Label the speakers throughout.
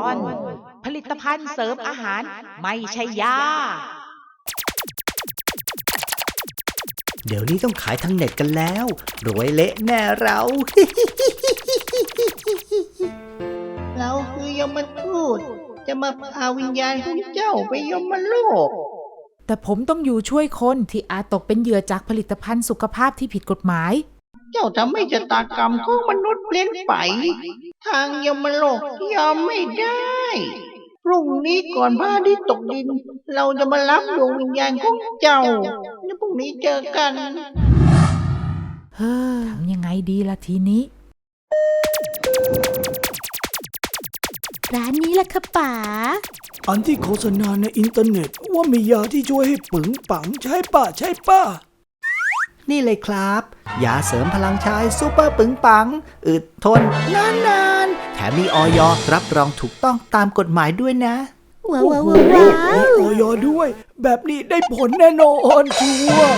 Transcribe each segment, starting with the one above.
Speaker 1: อนผลิตภัณฑ์เสริมอาหารไม่ใช่ยา
Speaker 2: เดี๋ยวนี้ต้องขายทางเน็ตกันแล้วรวยเละแน่เรา
Speaker 3: เราคือยมทูตจะมาพาวิญญาณของเจ้าไปยมโลก
Speaker 4: แต่ผมต้องอยู่ช่วยคนที่อาจตกเป็นเหยื่อจากผลิตภัณฑ์สุขภาพที่ผิดกฎหมาย
Speaker 3: เจ้าทำให้ชะตากรรมของมนุษย์เปลี่ยนไปทางยมโลกยอมไม่ได้พรุ่งนี้ก่อนพระอาทิตย์ตกดินเราจะมารับดวงวิญญาณของเจ้าแล้วพรุ่งนี้เจอกัน
Speaker 4: เฮ้อทำยังไงดีล่ะทีนี้
Speaker 5: ร้านนี้แหละค่ะป๋า
Speaker 6: อันที่โฆษณาในอินเทอร์เน็ตว่ามียาที่ช่วยให้ปึงปังใช่ป่ะ
Speaker 2: นี่เลยครับยาเสริมพลังชายซูเปอร์ปึงปังอึดทนนานๆแถมมีอย.รับรองถูกต้องตามกฎหมายด้วยนะ
Speaker 5: ว้าวว้าว
Speaker 6: มีออยด้วยแบบนี้ได้ผลแน่นอนชัวร์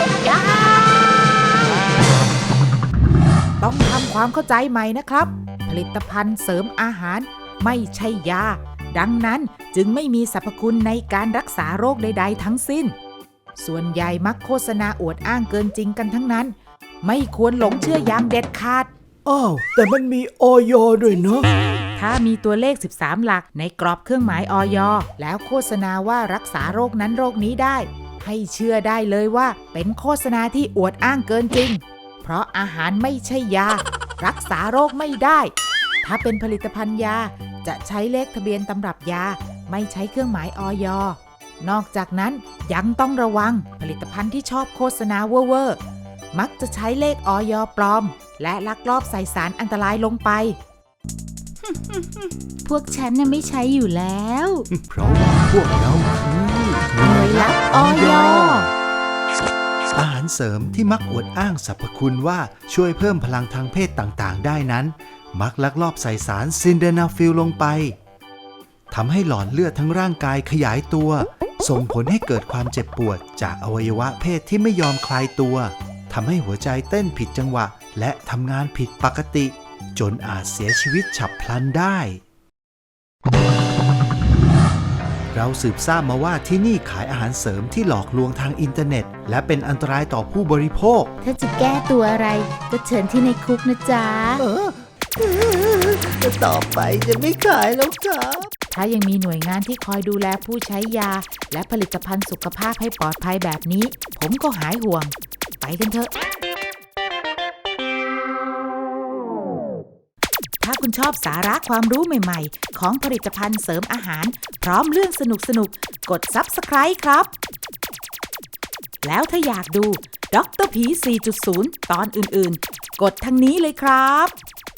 Speaker 4: ต้องทำความเข้าใจใหม่นะครับผลิตภัณฑ์เสริมอาหารไม่ใช่ยาดังนั้นจึงไม่มีสรรพคุณในการรักษาโรคใดๆทั้งสิ้นส่วนใหญ่มักโฆษณาอวดอ้างเกินจริงกันทั้งนั้นไม่ควรหลงเชื่ออย่างเด็ดขาด
Speaker 6: อ้าวแต่มันมีออยด้วยเนาะ
Speaker 4: ถ้ามีตัวเลข13หลักในกรอบเครื่องหมายอย.แล้วโฆษณาว่ารักษาโรคนั้นโรคนี้ได้ให้เชื่อได้เลยว่าเป็นโฆษณาที่อวดอ้างเกินจริงเพราะอาหารไม่ใช่ยารักษาโรคไม่ได้ถ้าเป็นผลิตภัณฑ์ยาจะใช้เลขทะเบียนตำรับยาไม่ใช้เครื่องหมายอย.นอกจากนั้นยังต้องระวังผลิตภัณฑ์ที่ชอบโฆษณาเว่อร์มักจะใช้เลขอย.ปลอมและลักลอบใส่สารอันตรายลงไป
Speaker 5: พวกฉันน่ะไม่ใช้อยู่แล้ว
Speaker 2: เพราะว่าพวกเราคือ
Speaker 4: หน่วยลับอย.
Speaker 2: อาหารเสริมที่มักอวดอ้างสรรพคุณว่าช่วยเพิ่มพลังทางเพศต่างๆได้นั้นมักลักลอบใส่สารซินเดนาฟิลลงไปทำให้หลอดเลือดทั้งร่างกายขยายตัวส่งผลให้เกิดความเจ็บปวดจากอวัยวะเพศที่ไม่ยอมคลายตัวทำให้หัวใจเต้นผิดจังหวะและทำงานผิดปกติจนอาจเสียชีวิตฉับพลันได้เราสืบทราบมาว่าที่นี่ขายอาหารเสริมที่หลอกลวงทางอินเทอร์เน็ตและเป็นอันตรายต่อผู้บริโภค
Speaker 5: ถ้าจะแก้ตัวอะไรก็เชิญที่ในคุกนะจ๊ะ
Speaker 2: ต่อไปจะไม่ขายแล้วครับ
Speaker 4: ถ้ายังมีหน่วยงานที่คอยดูแลผู้ใช้ยาและผลิตภัณฑ์สุขภาพให้ปลอดภัยแบบนี้ผมก็หายห่วงไปกันเถอะถ้าคุณชอบสาระความรู้ใหม่ๆของผลิตภัณฑ์เสริมอาหารพร้อมเรื่องสนุกๆกด Subscribe ครับแล้วถ้าอยากดูดร.ผี 4.0 ตอนอื่นๆกดทางนี้เลยครับ